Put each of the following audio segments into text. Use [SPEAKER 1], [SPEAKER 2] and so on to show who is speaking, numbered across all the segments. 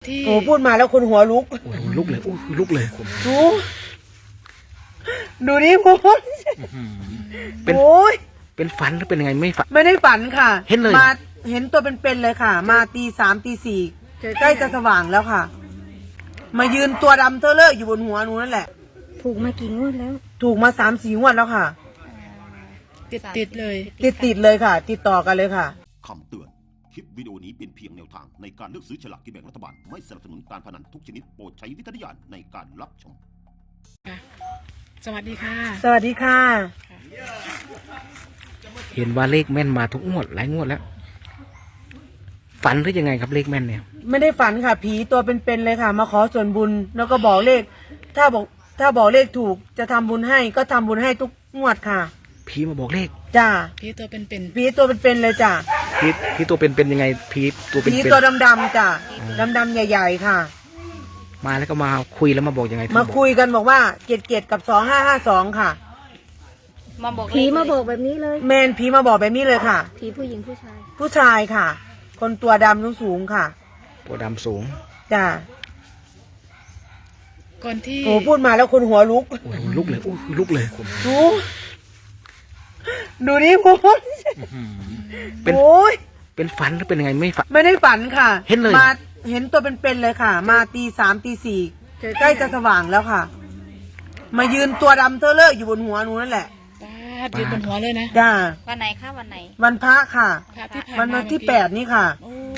[SPEAKER 1] โอ้พูดมาแล้วคนหัวลุก
[SPEAKER 2] ลุกเลยลุกเลย
[SPEAKER 1] ดูนี่พูด
[SPEAKER 2] เป็น
[SPEAKER 1] โอ้ย
[SPEAKER 2] เป็นฝันหรือเป็นยังไงไม่ฝัน
[SPEAKER 1] ไม่ได้ฝันค่ะ
[SPEAKER 2] เห็นเลย
[SPEAKER 1] มาเห็นตัวเป็นๆเลยค่ะ มาตี3ตี4ใกล้จะสว่างแล้วค่ะ มายืนตัวดำเทอะเลอะอยู่บนหัวหนูนั่นแหละ
[SPEAKER 3] ถูกมากี่งวดแล้ว
[SPEAKER 1] ถูกมา3-4 งวดแล้วค่ะ
[SPEAKER 3] ติดเลย
[SPEAKER 1] ติดเลยค่ะ ติดต่อกันเลยค่ะ
[SPEAKER 4] คำเตือนคลิปวิดีโอนี้เป็นเพียงแนวทางในการเลือกซื้อฉลากกินแบ่งรัฐบาลไม่สนับสนุนการพนันทุกชนิดโปรดใช้วิจารณญาณในการรับชม
[SPEAKER 3] สวัสดีค่ะ
[SPEAKER 1] สวัสดีค่ะ
[SPEAKER 2] เห็นว่าเลขแม่นมาทุกงวดหลายงวดแล้วฝันหรือยังไงครับเลขแม่นเนี่ย
[SPEAKER 1] ไม่ได้ฝันค่ะผีตัวเป็นๆเลยค่ะมาขอส่วนบุญแล้วก็บอกเลขถ้าบอกเลขถูกจะทำบุญให้ก็ทำบุญให้ทุกงวดค่ะ
[SPEAKER 2] ผีมาบอกเลข
[SPEAKER 1] จ้า
[SPEAKER 3] ผีตัวเป็น
[SPEAKER 1] ผีตัวเป็นๆเลยจ้า
[SPEAKER 2] ผีตัวเป็นยังไงผีตัวเป็น
[SPEAKER 1] ผีตัวดำๆจ้าดำๆใหญ่ๆค่ะ
[SPEAKER 2] มาแล้วก็มาคุยแล้วมาบอกยังไง
[SPEAKER 1] มาคุยกันบอกว่า7-7กับ2552ค่ะ
[SPEAKER 3] ผีมาบอกแบบนี้เลย
[SPEAKER 1] แมนผีมาบอกแบบนี้เลยค่ะ
[SPEAKER 3] ผีผู้หญิงผู้ชาย
[SPEAKER 1] ผู้ชายค่ะคนตัวดำสูงค่ะ
[SPEAKER 2] ตัวดำสูง
[SPEAKER 1] จ้า
[SPEAKER 3] ก่อนที่
[SPEAKER 1] โอ้พูดมาแล้วคนหัวลุก
[SPEAKER 2] ลุกเลยลุกเลย
[SPEAKER 1] ดูนี่พูด
[SPEAKER 2] โอ้ยเป็นฝันหรือเป็นยังไงไม่ฝัน
[SPEAKER 1] ไม่ได้ฝันค่ะ
[SPEAKER 2] เห็นเลย
[SPEAKER 1] มาเห็นตัวเป็นๆเลยค่ะ มาตี3ตี4ใกล้จะสว่างแล้วค่ะ มายืนตัวดำเทอะเลอะอยู่บนหัวหนูนั่นแหละ
[SPEAKER 3] ยืนบนหัวเลยนะ
[SPEAKER 1] จ้า
[SPEAKER 5] วันไหนคะวันไหน
[SPEAKER 1] วันพระค่ะวันที่8นี่ค่ะ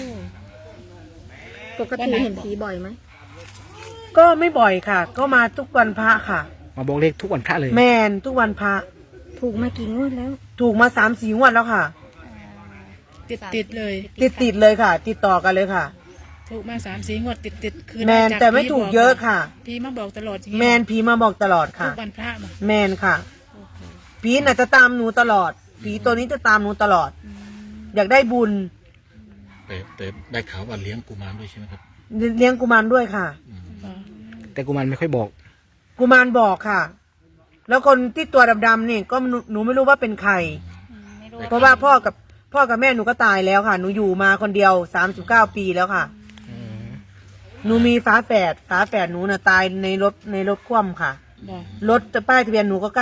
[SPEAKER 3] ปกติเห็นผีบ่อยไหม
[SPEAKER 1] ก็ไม่บ่อยค่ะ ก็มาทุกวันพระค่ะ
[SPEAKER 2] มาบอกเลขทุกวันพระเลย
[SPEAKER 1] แมนทุกวันพระ
[SPEAKER 3] ถูกมากี่งวดแล้ว
[SPEAKER 1] ถูกมา3-4 งวดแล้วค่ะ
[SPEAKER 3] ติดเลย
[SPEAKER 1] เลยค่ะ ติดต่อกันเลยค่ะ
[SPEAKER 3] ถูกมา3-4 งวดติดคือ
[SPEAKER 1] แมนแต่ไม่ถูกเยอะค่ะ
[SPEAKER 3] ผีมาบอกตลอด
[SPEAKER 1] แมนผีมาบอกตลอดค่ะ
[SPEAKER 3] ทุกวันพระ
[SPEAKER 1] แมนค่ะผีน่ะจะตามหนูตลอดผีตัวนี้จะตามหนูตลอดอยากได้บุญ
[SPEAKER 6] แต่ได้ข่าวว่าเลี้ยงกุมารด้วยใช่ไหมครับ
[SPEAKER 1] เลี้ยงกุมารด้วยค่ะ
[SPEAKER 2] แต่กุมารไม่ค่อยบอก
[SPEAKER 1] กุมารบอกค่ะแล้วคนที่ตัวดำๆนี่ก็หนูไม่รู้ว่าเป็นใครเพราะว่าพ่อกับแม่หนูก็ตายแล้วค่ะหนูอยู่มาคนเดียว39 ปีแล้วค่ะหนูมีฝาแฝดหนูน่ะตายในรถคว่ำค่ะรถป้ายทะเบียนหนูก็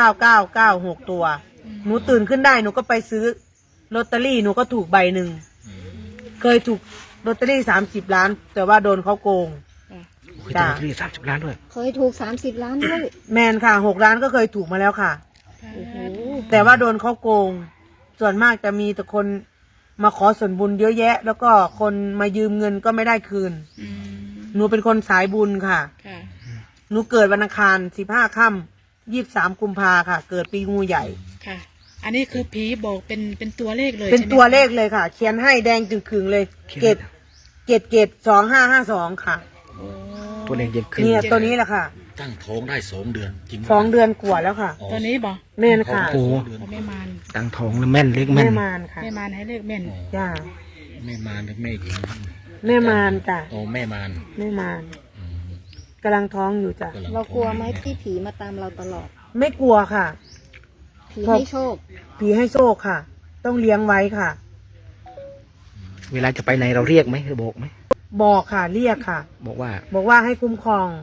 [SPEAKER 1] 9996ตัวหนูตื่นขึ้นได้หนูก็ไปซื้อลอตเตอรี่หนูก็ถูกใบหนึ่งเคยถูกลอตเตอรี่30 ล้านแต่ว่าโดนเขาโกง
[SPEAKER 2] จ้า30 ล้านด้วย
[SPEAKER 3] เคยถูก30 ล้านด้วย
[SPEAKER 1] แมนค่ะ6 ล้านก็เคยถูกมาแล้วค่ะแต่ว่าโดนเขาโกงส่วนมากจะมีแต่คนมาขอส่วนบุญเยอะแยะแล้วก็คนมายืมเงินก็ไม่ได้คืนหนูเป็นคนสายบุญค่ะหนูเกิดวันอังคาร15 ค่ำ23 กุมภาค่ะเกิดปีงูใหญ่
[SPEAKER 3] ค่ะอันนี้คือผีบอกเป็นตัวเลขเลย
[SPEAKER 1] เป็นตัวเลขเลยค่ะเขียนให้แดงจึงขึงเลยเกต2552ค่ะ
[SPEAKER 2] ตัวเลขเย็นขึ้น
[SPEAKER 1] เนี่ยตัวนี้แหละค่ะ
[SPEAKER 6] ตั้งท้องได้2 เดือนจริง
[SPEAKER 1] 2 เดือนกว่าแล้วค่ะ
[SPEAKER 3] ตัวนี้บอก
[SPEAKER 1] แม่นค่ะ
[SPEAKER 2] โอ้
[SPEAKER 3] แม่มาร
[SPEAKER 2] ตั้งท้องแล้วแม่นเลขแม่น
[SPEAKER 1] แม่มารค่ะ
[SPEAKER 3] แม่มารให้เลขแม่น
[SPEAKER 1] จ้า
[SPEAKER 6] แม่มารหรือแม่หญิง
[SPEAKER 1] แม่มารจ้ะ
[SPEAKER 6] โอ้แม่มาร
[SPEAKER 1] กำลังท้องอยู่จ้ะ
[SPEAKER 3] เรากลัวไหมที่ผีมาตามเราตลอด
[SPEAKER 1] ไม่กลัวค่ะ
[SPEAKER 3] ผีให้โชค
[SPEAKER 1] ค่ะต้องเลี้ยงไว้ค่ะ
[SPEAKER 2] เวลาจะไปไหนเราเรียกไหมหรือบอกไหม
[SPEAKER 1] บอกค่ะเรียกค่ะ
[SPEAKER 2] บอก
[SPEAKER 1] ว่าให้คุ้มครอง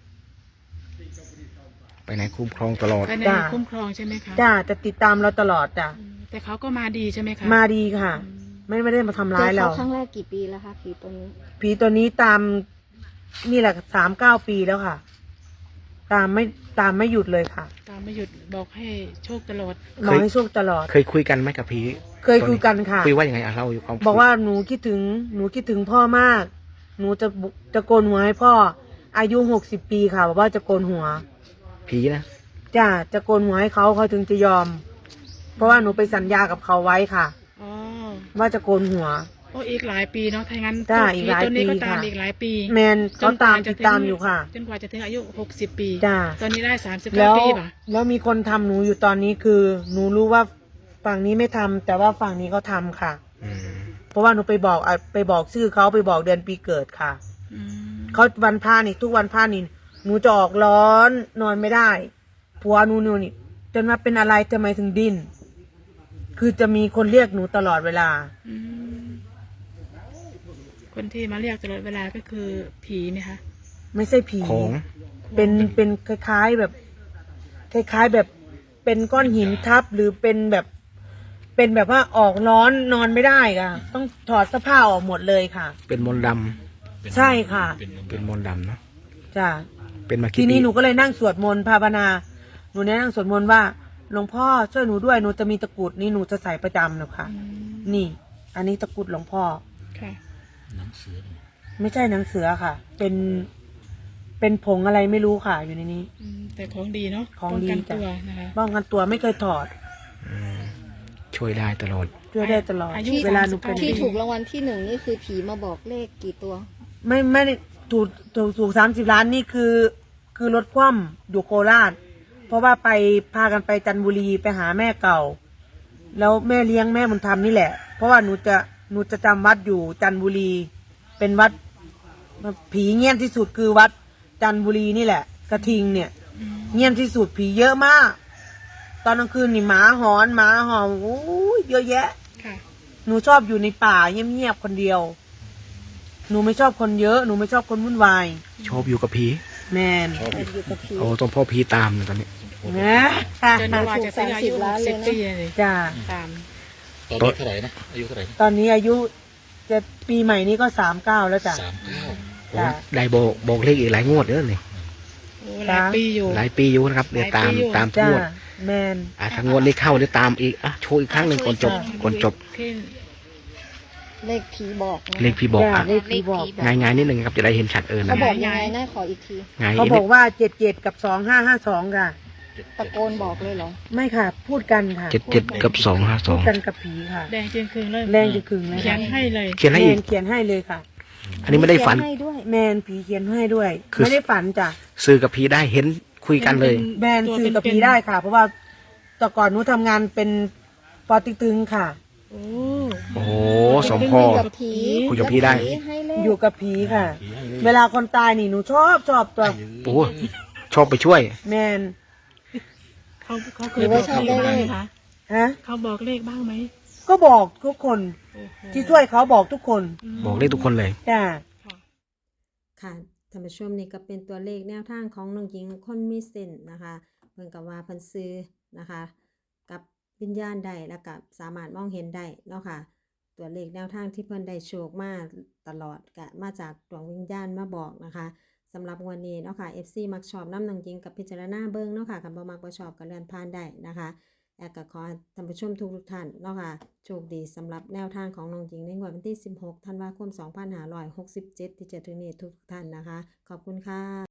[SPEAKER 2] ไปไหนคุ้มครองตลอด
[SPEAKER 3] ไปไหนคุ้มครองใช่ไหมคะ
[SPEAKER 1] จ้าจะติดตามเราตลอดจ้ะ
[SPEAKER 3] แต่เขาก็มาดีใช่ไหมคะ
[SPEAKER 1] มาดีค่ะไม่ได้มาทำร้ายเรา
[SPEAKER 3] ครั้งแรกกี่ปีแล้วคะผีตัว
[SPEAKER 1] นี้ตามนี่แหละ39 ปีแล้วค่ะตามไม่หยุดเลยค่ะ
[SPEAKER 3] ตามไม่หยุดบอกให้โชคตลอด
[SPEAKER 1] บอกให้โชคตลอด
[SPEAKER 2] เคยคุยกันไหมกับผี
[SPEAKER 1] เคยคุยกันค่ะ
[SPEAKER 2] คุยว่าอย่างไงเราอยู่ความ
[SPEAKER 1] บอกว่าหนูคิดถึงพ่อมากหนูจะโกนหัวให้พ่ออายุ60 ปีค่ะบอกว่าจะโกนหัว
[SPEAKER 2] ผีนะ
[SPEAKER 1] จ้าจะโกนหัวให้เขาถึงจะยอมเพราะว่าหนูไปสัญญากับเขาไว้ค่ะว่าจะโกนหัว
[SPEAKER 3] โอ้อีกหลายปีเนาะถ้างั้น
[SPEAKER 1] อีกหลายปี
[SPEAKER 3] ค่ะอีกหลายปี
[SPEAKER 1] แมนเขาติดตามอยู่ค่ะ
[SPEAKER 3] จนกว่าจะถึงอายุ60 ปี
[SPEAKER 1] จ้า
[SPEAKER 3] ตอนนี้ได้39 ปีป่ะ
[SPEAKER 1] แล้วมีคนทำหนูอยู่ตอนนี้คือหนูรู้ว่าฝั่งนี้ไม่ทำแต่ว่าฝั่งนี้เขาทำค่ะเพราะว่าหนูไปบอกชื่อเขาไปบอกเดือนปีเกิดค่ะเขาวันพระนี่ทุกวันพระนี่หนูจะออกร้อนนอนไม่ได้ผัวหนูนี่จนมาเป็นอะไรทำไมถึงดิ้นคือจะมีคนเรียกหนูตลอดเวลา
[SPEAKER 3] คคนที่มาเรียกตลอดเวลาก็คือผีไหมคะ
[SPEAKER 1] ไม่ใช่ผี
[SPEAKER 2] ของ
[SPEAKER 1] เป็นคล้ายๆแบบ คล้ายๆแบบเป็นก้อนหินทับหรือเป็นแบบว่าออกร้อนนอนไม่ได้ค่ะต้องถอดเสื้อผ้าออกหมดเลยค่ะ
[SPEAKER 2] เป็นมนต์ด
[SPEAKER 1] ใช่ค่ะ
[SPEAKER 2] ำเป็นมนต์ดำเนาะ
[SPEAKER 1] จ้ะ
[SPEAKER 2] เป็นมา
[SPEAKER 1] ที
[SPEAKER 2] กี่ปี
[SPEAKER 1] นี้หนูก็เลยนั่งสวดมนต์ภาวนาหนูเนี่ยนั่งสวดมนต์ว่าหลวงพ่อช่วยหนูด้วยหนูจะมีตะกรุดนี่หนูจะใส่ประจำเลยค่ะ นี่ อันนี้ตะกรุดหลวงพ่อ
[SPEAKER 3] ค่ะ
[SPEAKER 6] หนังสือ
[SPEAKER 1] ไม่ใช่หนังเสือค่ะ เป็นผงอะไรไม่รู้ค่ะ อยู่ในนี้
[SPEAKER 3] แต่ของดีเนาะ
[SPEAKER 1] ของดี
[SPEAKER 3] ป้กัน
[SPEAKER 1] จ้ะ
[SPEAKER 3] ตัวนะคะ
[SPEAKER 1] ป้องกันตัวไม่เคยถอด
[SPEAKER 2] ช่วยได้ตลอด
[SPEAKER 1] ช่วยได้ตลอด
[SPEAKER 3] อายุ
[SPEAKER 1] เวลาหนูเป็น
[SPEAKER 5] ที่ถูกรางวัลที่ 1นี่คือผีมาบอกเลขกี่ตัว
[SPEAKER 1] ไม่ได้ถูก30 ล้านนี่คือรถคว่ำอยู่โคราช เพราะว่าไปพากันไปจันทบุรีไปหาแม่เก่า แล้วแม่เลี้ยงแม่บุญธรรมนี่แหละ เพราะว่าหนูจะจำวัดอยู่จันทบุรี เป็นวัดผีเงียบที่สุดคือวัดจันทบุรีนี่แหละ กระทิงเนี่ย เงียบที่สุดผีเยอะมาก ตอนกลางคืนนี่หมาหอนหมาหอนโอ้ยเยอะแยะ
[SPEAKER 3] ค่ะ
[SPEAKER 1] หนูชอบอยู่ในป่าเงียบๆคนเดียว หนูไม่ชอบคนเยอะ หนูไม่ชอบคนวุ่นวาย
[SPEAKER 2] ชอบอยู่กับผี
[SPEAKER 1] แมน
[SPEAKER 5] อยู่กับผี
[SPEAKER 2] โอ้ต้องพ่อผีตามนะตอนนี้
[SPEAKER 1] นะ
[SPEAKER 3] จนกว่าจะถึงอายุ
[SPEAKER 5] 30 ล้านเลยนะ
[SPEAKER 3] 60 ปีเลย
[SPEAKER 1] จ้า
[SPEAKER 3] ตาม
[SPEAKER 6] ตอนนี้เท่าไหร่นะอายุเท่าไหร่นะ
[SPEAKER 1] ตอนนี้อายุจะปีใหม่นี้ก็39แล้วจ้ะ
[SPEAKER 6] 39
[SPEAKER 2] โอ้ได้บอกเลขอีกหลายงวดเด้อนี่
[SPEAKER 3] โอ้หลายปีอยู่
[SPEAKER 2] หลายปีอยู่นะครับเดี๋ยวตาม
[SPEAKER 3] หลายปีอยู่
[SPEAKER 2] ตามทุก
[SPEAKER 1] จ้าง
[SPEAKER 2] วด
[SPEAKER 1] แมน
[SPEAKER 2] ถ้างวดเลขเข้าเดี๋ยวตามอีกโชว์อีกครั้งหนึ่งก่อนจบ
[SPEAKER 3] ที่
[SPEAKER 5] เลขผีบอกนะ
[SPEAKER 2] เลขพี่บอก
[SPEAKER 1] จ้าเลขที่บอก
[SPEAKER 2] ง่ายๆนิดนึงครับจะได้เห็นชัด
[SPEAKER 5] เขา
[SPEAKER 2] นะ
[SPEAKER 5] บอกยังไงนะขออีกที
[SPEAKER 2] ง่าย
[SPEAKER 1] เขาบอกว่า77กับ2552ค่ะ
[SPEAKER 5] ตะโกนบอกเลยเหรอ
[SPEAKER 1] ไม่ค่ะ พูดกันค่ะ
[SPEAKER 2] 77กับ
[SPEAKER 1] พูดกันกับผีค่ะ
[SPEAKER 3] แดงจริงคืนเลย
[SPEAKER 1] แรงจะขึงเลย
[SPEAKER 3] เขียนให้เลย
[SPEAKER 2] 252เขียนให้อีก
[SPEAKER 1] แมนเขียนให้เลยค่ะ
[SPEAKER 2] อันนี้ไม่ได้ฝัน
[SPEAKER 5] เขียให้ด้วย
[SPEAKER 1] แมนผีเขียนให้ด้วย
[SPEAKER 2] คือ
[SPEAKER 1] ไม่ได้ฝันจ้ะ
[SPEAKER 2] ซื้อกับผีได้เห็นคุยกันเลย
[SPEAKER 1] แบรนด์สื่อกับผีได้ค่ะ เพราะว่าแต่ก่อนหนูทำงานเป็นปอติ๊กตึงค่ะ
[SPEAKER 3] โอ้
[SPEAKER 2] โอ้โหสมพ่อ
[SPEAKER 5] คุยกับผี
[SPEAKER 2] คุยกับผีได้
[SPEAKER 5] แล้วผีให้เลข
[SPEAKER 1] อยู่กับผีค่ะ เวลาคนตายนี่หนูชอบตัว
[SPEAKER 2] โอ้ชอบไปช่วย
[SPEAKER 1] แมน
[SPEAKER 3] เขาเคยบอกเลขบ้างไหมคะ
[SPEAKER 1] ฮะ
[SPEAKER 3] เขาบอกเลขบ้างไหม
[SPEAKER 1] ก็บอกทุกคน
[SPEAKER 3] โอ้โห
[SPEAKER 1] ที่ช่วยเขาบอกทุกคน
[SPEAKER 2] บอกเลขทุกคนเลย
[SPEAKER 1] จ้า
[SPEAKER 7] ค่ะท่านผู้ชมนี่ก็เป็นตัวเลขแนวทางของน้องหญิงคนมีเส้นนะคะ เพิ่นกับว่าเพิ่นซื้อนะคะ กับวิญญาณได้แล้วก็สามารถมองเห็นได้เนาะค่ะ ตัวเลขแนวทางที่เพิ่นได้โชคมาตลอดก็มาจากดวงวิญญาณมาบอกนะคะสำหรับวันนี้เนาะค่ะ FC มักชอบน้ำน้องหญิงกับพิจารณาเบิ่งเนาะค่ะคันบ่มักบ่ชอบก็เลื่อนผ่านได้นะคะแอกก็ขอให้ท่านผู้ชมทุกท่านเนาะค่ะโชคดีสำหรับแนวทางของน้องหญิงในงวดวันที่16ธันวาคม2567ที่จะถึงนี้ทุกท่านนะคะขอบคุณค่ะ